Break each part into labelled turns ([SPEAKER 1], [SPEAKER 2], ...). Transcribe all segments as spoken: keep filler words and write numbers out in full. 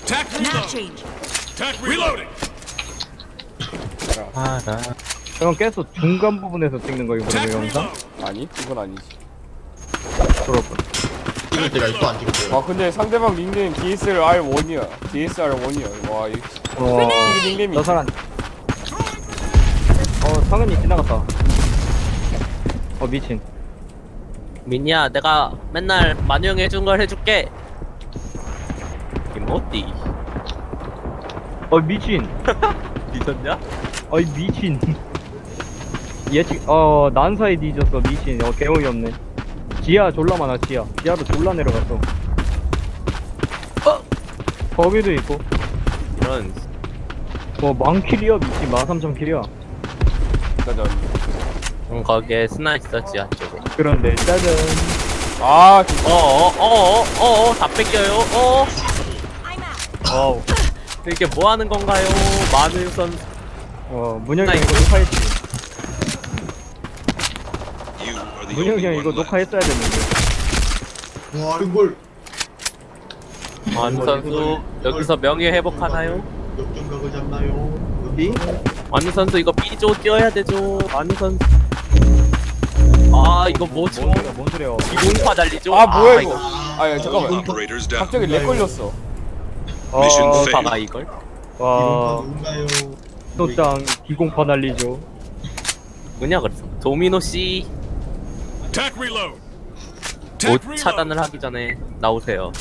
[SPEAKER 1] Map change.
[SPEAKER 2] 알아.
[SPEAKER 3] 형 계속 중간 부분에서 찍는 거 이번에 영상?
[SPEAKER 4] 아니 그건 아니지.
[SPEAKER 3] 그렇군.
[SPEAKER 2] 찍을 때가 있고 안 찍을 때가.
[SPEAKER 4] 아 근데 상대방 닉네임 디에스알 원이야. 디에스알 원이야. 와 이.
[SPEAKER 3] 어,
[SPEAKER 4] 이게 닉네임이.
[SPEAKER 3] 저 사람. 어, 성현이 지나갔다. 어, 미친.
[SPEAKER 5] 민이야, 내가 맨날 만영 해준 걸 해줄게. 이모띠.
[SPEAKER 3] 어, 미친.
[SPEAKER 5] 미쳤냐?
[SPEAKER 3] 어이, 미친. 예측, 어, 난사에 뒤졌어, 미친. 어, 개어이 없네. 지하 졸라 많아, 지하. 지하로 졸라 내려갔어. 어! 거기도 있고.
[SPEAKER 5] 이런.
[SPEAKER 3] 어, 만킬이야, 미친. 만삼천 킬이야.
[SPEAKER 4] 짜잔.
[SPEAKER 5] 응, 거기에 스나 있었지, 한쪽에.
[SPEAKER 3] 그런데, 짜잔.
[SPEAKER 4] 아 진짜.
[SPEAKER 5] 어어어어어어 다 뺏겨요. 어.
[SPEAKER 3] 와우.
[SPEAKER 5] 이게 뭐 하는 건가요? 마늘 선.
[SPEAKER 3] 어, 문영이
[SPEAKER 5] 나
[SPEAKER 3] 형 이거
[SPEAKER 5] 이거-
[SPEAKER 3] 녹화했지.
[SPEAKER 6] You are the
[SPEAKER 3] 문영이
[SPEAKER 6] only
[SPEAKER 3] 형
[SPEAKER 6] one
[SPEAKER 3] 이거
[SPEAKER 6] left.
[SPEAKER 3] 녹화했어야 됐는데.
[SPEAKER 2] 와 이걸
[SPEAKER 5] 마늘 선수 여기서 명예 회복하나요?
[SPEAKER 2] 역전각을 잡나요?
[SPEAKER 3] 이?
[SPEAKER 5] 마늘 선수 이거 B조 뛰어야 되죠. 마늘 선수. 아 이거 뭐죠?
[SPEAKER 3] 뭔 소리야, 뭔 소리야.
[SPEAKER 5] 이공파 달리죠?
[SPEAKER 4] 아 뭐야 이거. 아 야, 잠깐만.
[SPEAKER 6] Operators down.
[SPEAKER 4] 갑자기 렉 걸렸어.
[SPEAKER 3] 어,
[SPEAKER 6] 미션 페일.
[SPEAKER 5] 이공파가 이걸?
[SPEAKER 3] 와,
[SPEAKER 2] 누군가요?
[SPEAKER 3] 또짱 기공파 날리죠.
[SPEAKER 5] 뭐냐 그래서 도미노 씨
[SPEAKER 6] Attack reload.
[SPEAKER 5] 옷 차단을 하기 전에 나오세요.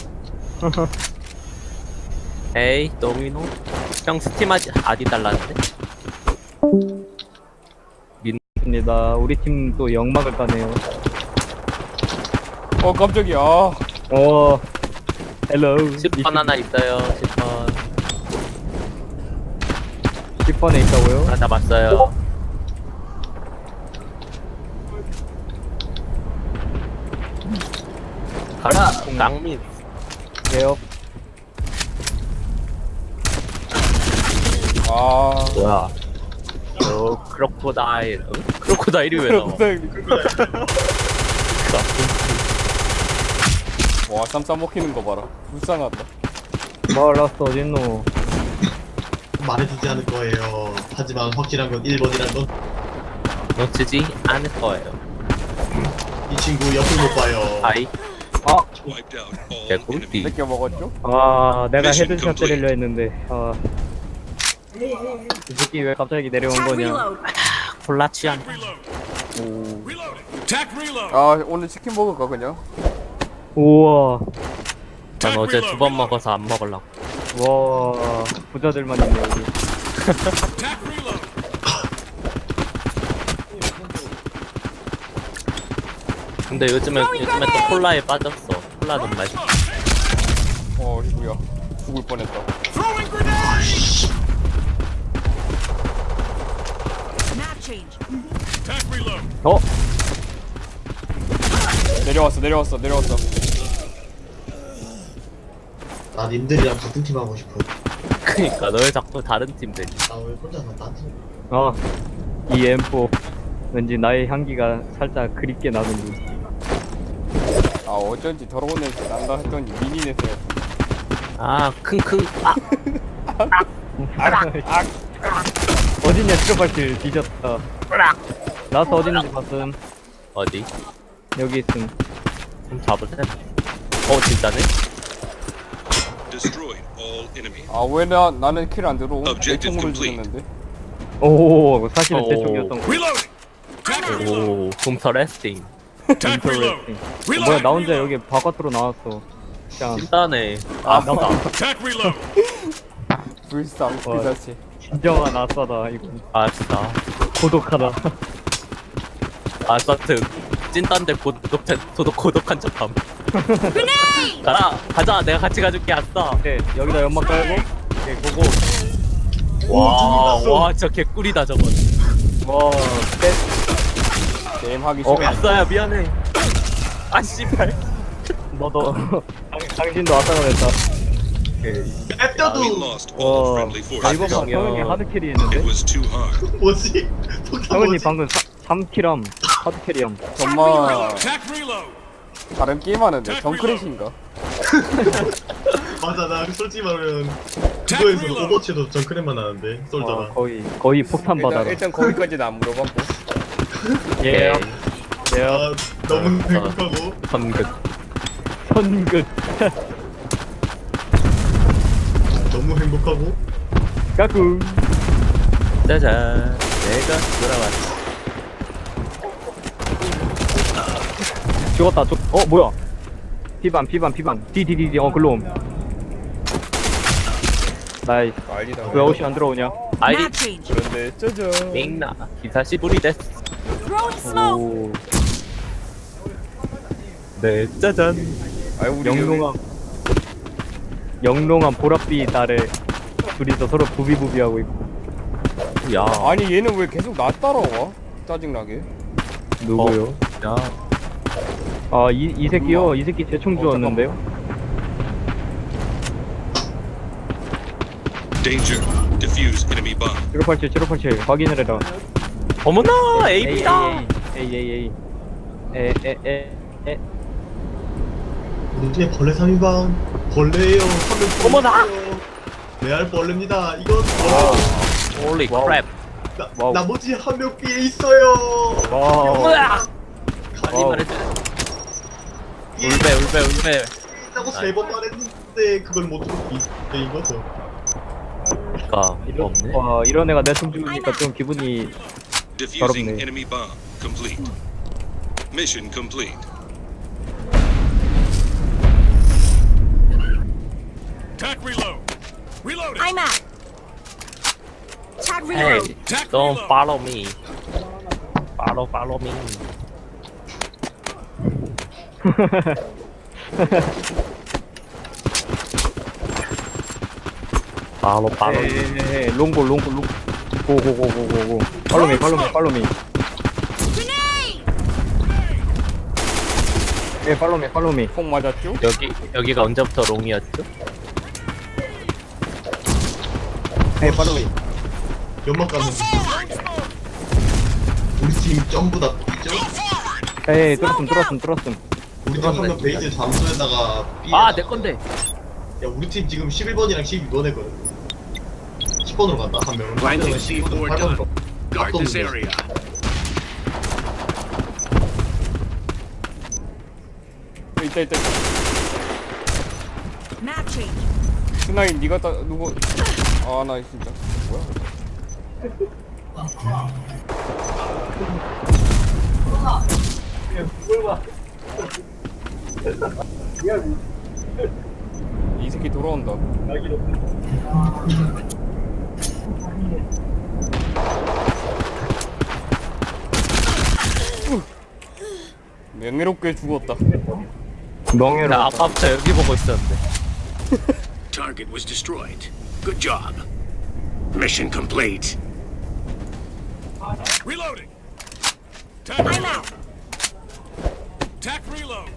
[SPEAKER 5] 에이 도미노 형 스팀 아디, 아디 달라는데?
[SPEAKER 3] 입니다. 우리 팀 또 역막을 까네요.
[SPEAKER 4] 어 깜짝이야.
[SPEAKER 3] 어, 헬로.
[SPEAKER 5] 십 번 하나 있어요. 십 번
[SPEAKER 3] 십 번에 있다고요?
[SPEAKER 5] 하나 잡았어요. 가라 강민.
[SPEAKER 3] 예요.
[SPEAKER 4] 아.
[SPEAKER 5] 뭐야? 어 크로코다일. 응? 크로코다일이 왜 나와?
[SPEAKER 4] 와 쌈싸 먹히는 거 봐라. 불쌍하다.
[SPEAKER 3] 말랐어, 어딨노?
[SPEAKER 2] 말해주지 않을 거예요. 하지만 확실한 건 일 번이란 건 이
[SPEAKER 5] 놓치지 않을 거예요.
[SPEAKER 2] 친구 옆을 못 봐요.
[SPEAKER 5] 아이
[SPEAKER 6] Wiped out all
[SPEAKER 5] 개꿀띠.
[SPEAKER 6] enemy.
[SPEAKER 4] 뺏겨 먹었죠?
[SPEAKER 3] 아, 내가
[SPEAKER 6] Mission
[SPEAKER 3] 헤드샷
[SPEAKER 6] complete.
[SPEAKER 3] 때리려 했는데, 아. 이 새끼 왜 갑자기 내려온
[SPEAKER 1] Attack
[SPEAKER 3] 거냐?
[SPEAKER 1] reload.
[SPEAKER 5] 콜라 취향.
[SPEAKER 4] 오.
[SPEAKER 6] Attack reload.
[SPEAKER 4] 아 오늘 치킨 먹을까 그냥?
[SPEAKER 3] 우와,
[SPEAKER 5] 난 어제 두 번 먹어서 안 먹으려고.
[SPEAKER 3] 와, 부자들만 있네, 여기.
[SPEAKER 6] Attack reload.
[SPEAKER 5] 근데 요즘에 요즘에 또 콜라에 빠졌어. 콜라는 맛있어.
[SPEAKER 4] 어 이거야. 죽을 뻔했다.
[SPEAKER 6] Throwing grenade.
[SPEAKER 1] Map change.
[SPEAKER 6] Attack reload.
[SPEAKER 3] 어?
[SPEAKER 4] 내려왔어 내려왔어 내려왔어.
[SPEAKER 2] 나 님들이랑 같은 팀 하고 싶어.
[SPEAKER 5] 그니까 너 왜 자꾸 다른 팀 되지?
[SPEAKER 2] 나 왜 혼자서 딴 팀?
[SPEAKER 3] 아, 이 엠포. 왠지 나의 향기가 살짝 그립게 나는데.
[SPEAKER 4] 아 어쩐지 더러운 냄새 난다 했더니 미니넷에.
[SPEAKER 5] 아 킁킁. 아
[SPEAKER 3] 어딨냐, 트로발길 뒤졌다. 나서 어디 있는지 봤음.
[SPEAKER 5] 어디?
[SPEAKER 3] 여기 있음.
[SPEAKER 5] 좀 잡을 때. 어 진짜네?
[SPEAKER 6] Destroyed all enemy.
[SPEAKER 4] 아 왜 나 나는 킬 안 들어오? 내
[SPEAKER 6] Objective
[SPEAKER 4] 총으로
[SPEAKER 6] complete.
[SPEAKER 4] 죽였는데.
[SPEAKER 3] 오, 사실은 제
[SPEAKER 5] 오.
[SPEAKER 3] 쪽이었던 거.
[SPEAKER 6] Reloading. Attack reload.
[SPEAKER 5] 오 둠터 레스팅.
[SPEAKER 6] Attack reload.
[SPEAKER 3] 인터레스팅. 뭐야, 나 혼자 여기 바깥으로 나왔어. 그냥,
[SPEAKER 5] 찐따네. 아 맞다.
[SPEAKER 6] Attack reload.
[SPEAKER 4] 불쌍 그
[SPEAKER 3] 와.
[SPEAKER 4] 자체.
[SPEAKER 3] 진정한 아싸다, 이거.
[SPEAKER 5] 아싸.
[SPEAKER 3] 고독하다.
[SPEAKER 5] 아싸트. 찐따인데 고독 도독 고독한 척함. 가라 가자 내가 같이 가줄게 아싸.
[SPEAKER 3] 네, 여기다 연막 깔고. 오케이, 고고.
[SPEAKER 5] 와와 진짜 개꿀이다 저건.
[SPEAKER 3] 와, 셋.
[SPEAKER 4] 게임 하기
[SPEAKER 3] 어,
[SPEAKER 4] 싫어.
[SPEAKER 5] 아싸야 미안해. 아 씨발.
[SPEAKER 3] 너도. 당- 당신도 아싸가 됐다.
[SPEAKER 6] We
[SPEAKER 2] 앱다도
[SPEAKER 6] lost all
[SPEAKER 3] 와,
[SPEAKER 6] friendly
[SPEAKER 3] 나 이번
[SPEAKER 6] forces.
[SPEAKER 3] 판 성현이 하드캐리 했는데?
[SPEAKER 6] It was too hard.
[SPEAKER 2] 뭐지? 포켓몬
[SPEAKER 3] 성현이
[SPEAKER 2] 뭐지?
[SPEAKER 3] 방금 삼 킬함, 하드캐리함.
[SPEAKER 4] 정말
[SPEAKER 6] Attack reload.
[SPEAKER 4] 다른 게임 하는데 정크래시인가?
[SPEAKER 2] 맞아 나 솔직히 말하면
[SPEAKER 6] Tac
[SPEAKER 2] 그거에서
[SPEAKER 6] reload.
[SPEAKER 2] 오버워치도 정크랩만 하는데
[SPEAKER 3] 어,
[SPEAKER 2] 솔저랑.
[SPEAKER 3] 거의 거의 폭탄
[SPEAKER 4] 일단,
[SPEAKER 3] 받아라.
[SPEAKER 4] 일단 거기까지는 안 물어봤고.
[SPEAKER 3] 예. 예.
[SPEAKER 2] 아 너무
[SPEAKER 5] 어,
[SPEAKER 2] 행복하고
[SPEAKER 5] 선긋.
[SPEAKER 3] 선긋.
[SPEAKER 2] 너무 행복하고
[SPEAKER 3] 까꿍.
[SPEAKER 5] 짜잔. 내가 돌아왔어.
[SPEAKER 3] 죽었다. 죽. 어 뭐야? 피반 피반 피반. 디디디디. 어 글로 옴. 나이스.
[SPEAKER 4] 난리다.
[SPEAKER 3] 왜 옷이 안 들어오냐?
[SPEAKER 5] 아이디
[SPEAKER 1] Map change.
[SPEAKER 4] 그런데 짜잔.
[SPEAKER 5] 밍나. 기사시 부리 데스.
[SPEAKER 1] Throwing smoke.
[SPEAKER 3] 오.
[SPEAKER 5] 네, 짜잔.
[SPEAKER 4] 아유 우리
[SPEAKER 3] 영롱한 영롱한 보랏빛 아래 둘이서 서로 부비부비하고 있고.
[SPEAKER 5] 야.
[SPEAKER 4] 아니 얘는 왜 계속 나 따라와? 짜증나게.
[SPEAKER 3] 누구요?
[SPEAKER 5] 야.
[SPEAKER 3] 아 이 이 새끼요. 이 새끼 대충
[SPEAKER 4] 어,
[SPEAKER 3] 주었는데요.
[SPEAKER 6] Danger. Defuse enemy bomb.
[SPEAKER 3] 칠오팔칠 칠오팔칠 확인을 해라.
[SPEAKER 5] 어머나, 에이비다.
[SPEAKER 3] 에이 에이 에이 에에에에
[SPEAKER 2] 우리 팀에 벌레 삼 인방 벌레예요. 한명
[SPEAKER 5] 어머나!
[SPEAKER 2] 레알 벌레입니다. 이건 벌레.
[SPEAKER 5] 홀리 크랩.
[SPEAKER 2] 나,
[SPEAKER 3] 와우.
[SPEAKER 2] 나머지 한 명 B에 있어요.
[SPEAKER 3] 와.
[SPEAKER 5] 으악! 아니
[SPEAKER 3] 와우.
[SPEAKER 5] 말해줘. 울베, 울베, 울베.
[SPEAKER 2] 있다고 세 번 말했는데 그걸 못 듣고 이 이거죠.
[SPEAKER 5] 가 없네.
[SPEAKER 3] 와 이런 애가 내총 죽으니까 좀 기분이
[SPEAKER 6] Defusing
[SPEAKER 3] 더럽네.
[SPEAKER 6] enemy bomb. Complete. Mission complete. Tac reload. Reloading.
[SPEAKER 1] I'm out. Tag
[SPEAKER 5] Hey,
[SPEAKER 1] reload.
[SPEAKER 6] Tac
[SPEAKER 5] don't
[SPEAKER 6] reload.
[SPEAKER 5] follow me. Follow, follow me. follow, follow me.
[SPEAKER 3] 에에에 롱볼 롱볼 롱 고고고고고고 팔로미 팔로미 팔로미
[SPEAKER 1] Grenade.
[SPEAKER 3] 예 팔로미 팔로미
[SPEAKER 4] 폭 맞았죠?
[SPEAKER 5] 여기 여기가 언제부터 롱이었죠?
[SPEAKER 3] 예 팔로미
[SPEAKER 2] 연막 가는. 우리 팀 전부 다 있죠?
[SPEAKER 3] 예 뚫었음 뚫었음 뚫었음
[SPEAKER 2] 우리 팀 한 명 베이즈 잠수에다가 B
[SPEAKER 5] 아, 내 건데.
[SPEAKER 2] 야 우리 팀 지금 십일 번이랑 십이 번 했거든. 십 번으로 간다 한 명은.
[SPEAKER 6] Planting
[SPEAKER 2] 한
[SPEAKER 6] C
[SPEAKER 2] 명은
[SPEAKER 6] four
[SPEAKER 2] 팔 번으로.
[SPEAKER 6] Guard this area.
[SPEAKER 4] 있다 있다. 있다.
[SPEAKER 1] Map change.
[SPEAKER 4] 스나이 니가 따 누구? 아 나 진짜 뭐야? 이 새끼 돌아온다. 명예롭게 죽었다.
[SPEAKER 3] 명예로
[SPEAKER 5] 나 아까부터 여기 보고 있었는데.
[SPEAKER 6] Target was destroyed. Good job. Mission complete. Reloading. Tac
[SPEAKER 1] I'm
[SPEAKER 6] reload.
[SPEAKER 1] out.
[SPEAKER 6] Tac reload.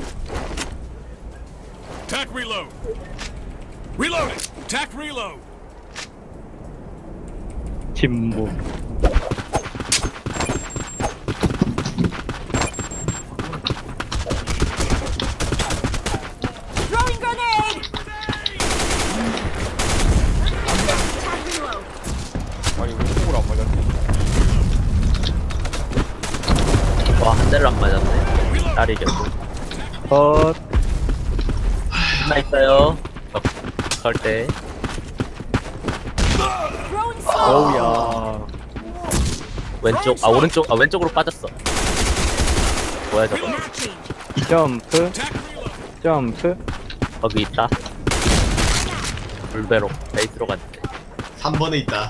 [SPEAKER 6] Tac reload. Reloading. Tac reload.
[SPEAKER 3] 진무
[SPEAKER 1] Throwing grenade. Tag reload.
[SPEAKER 4] 아니 왜 폭을 안 맞았지?
[SPEAKER 5] 와, 한 대를 안 맞았네. 딸이 이겼고.
[SPEAKER 3] 컷
[SPEAKER 5] 하나 있어요. 걸 때.
[SPEAKER 1] Throwing smoke.
[SPEAKER 3] 어우야
[SPEAKER 5] 왼쪽, 아, 오른쪽, 아, 왼쪽으로 빠졌어. 뭐야, 저거.
[SPEAKER 1] Map change.
[SPEAKER 3] 점프
[SPEAKER 6] Tac reload.
[SPEAKER 3] 점프
[SPEAKER 5] 거기 있다. 불배로, 베이스로 갔는데.
[SPEAKER 2] 삼 번에 있다.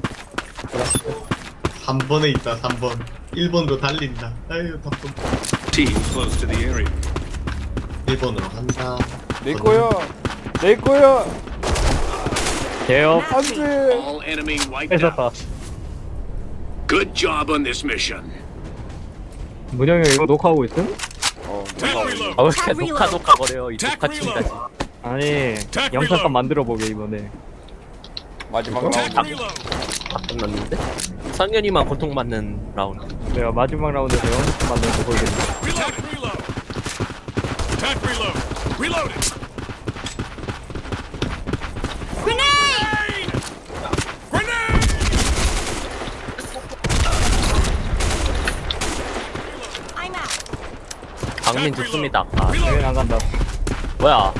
[SPEAKER 2] 삼 번에 있다. 삼 번. 일 번으로 달린다. 아유 답답.
[SPEAKER 6] Team close to the area.
[SPEAKER 2] 일 번으로 간다.
[SPEAKER 4] 내 거야. 내 거야.
[SPEAKER 3] 개업
[SPEAKER 1] Map change.
[SPEAKER 4] 안돼.
[SPEAKER 6] All enemy wiped
[SPEAKER 3] 뺏었다
[SPEAKER 6] out. Good job on this mission.
[SPEAKER 3] 문영이 이거 녹화하고 있음?
[SPEAKER 4] 어.
[SPEAKER 6] Tac
[SPEAKER 4] 누가
[SPEAKER 6] reload.
[SPEAKER 5] 아, 왜 이렇게 녹화 녹화 거려요, 이
[SPEAKER 6] Tac
[SPEAKER 5] 녹화층까지.
[SPEAKER 3] 아니
[SPEAKER 6] Tac
[SPEAKER 3] 영상감
[SPEAKER 6] reload.
[SPEAKER 3] 만들어 보게 이번에
[SPEAKER 4] 마지막
[SPEAKER 6] Tac
[SPEAKER 4] 라운드.
[SPEAKER 6] reload.
[SPEAKER 5] 바꿨는데? 성현이만 고통받는 라운드.
[SPEAKER 3] 내가 마지막 라운드에서 영상감 만드는 거 보여드릴게
[SPEAKER 6] Tac reload. Tac reload. Reloading.
[SPEAKER 5] 장면 좋습니다. 아,
[SPEAKER 3] 여행 안 간다.
[SPEAKER 5] 뭐야?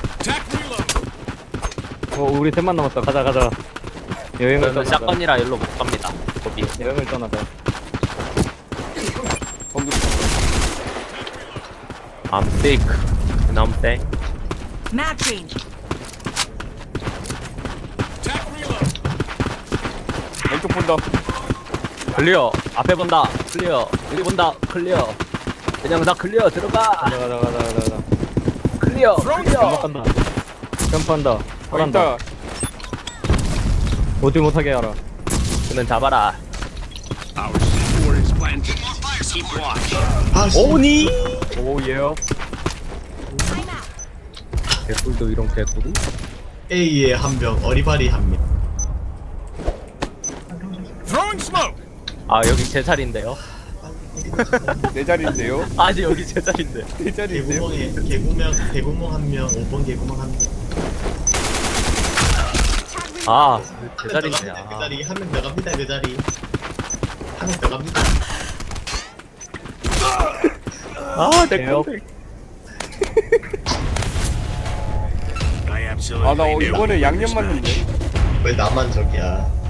[SPEAKER 3] 어, 우리 셋만 남았다. 가자, 가자. 여행을
[SPEAKER 5] 저는
[SPEAKER 3] 떠나자.
[SPEAKER 5] 샷건이라 일로 못 갑니다. 거기.
[SPEAKER 3] 여행을 떠나자.
[SPEAKER 4] 공격.
[SPEAKER 5] I'm sick. And I'm sick.
[SPEAKER 1] Mag change.
[SPEAKER 4] 왼쪽 본다.
[SPEAKER 5] 클리어. 앞에 본다. 클리어. 여기 본다. 클리어. 그냥 다 클리어. 들어가.
[SPEAKER 3] 가자, 가자, 가자, 가자, 가자.
[SPEAKER 5] 클리어. 클리어.
[SPEAKER 3] 점프한다. 점프한다.
[SPEAKER 4] 어,
[SPEAKER 3] 잘한다.
[SPEAKER 4] 있다.
[SPEAKER 3] 오지 못하게 하라.
[SPEAKER 5] 그는 잡아라.
[SPEAKER 6] Our C four is planted. Keep watch.
[SPEAKER 2] 아씨.
[SPEAKER 5] 오니.
[SPEAKER 3] 오, 예요.
[SPEAKER 1] I'm out.
[SPEAKER 5] 개꿀도 이런 개꿀이?
[SPEAKER 2] A에 한 명, 어리바리 한 명.
[SPEAKER 5] 아 여기 제 자리인데요.
[SPEAKER 4] 내 자리인데요.
[SPEAKER 5] 아니 여기 제 자리인데.
[SPEAKER 4] 내 자리인데요.
[SPEAKER 2] 개구멍에 개구멍 개구멍 한 명, 오 번 개구멍 한 명.
[SPEAKER 5] 아 제
[SPEAKER 2] 한 명
[SPEAKER 5] 자리인데.
[SPEAKER 2] 더 갑니다, 그
[SPEAKER 5] 아.
[SPEAKER 2] 자리 한 명 더 갑니다 그 자리. 한 명 더 갑니다.
[SPEAKER 5] 아내
[SPEAKER 3] 개업.
[SPEAKER 5] 컴백.
[SPEAKER 6] I absolutely
[SPEAKER 4] 아 나
[SPEAKER 6] knew
[SPEAKER 4] 이번에
[SPEAKER 6] we were
[SPEAKER 4] 양념
[SPEAKER 6] smashed.
[SPEAKER 4] 맞는데.
[SPEAKER 2] 왜 나만 저기야?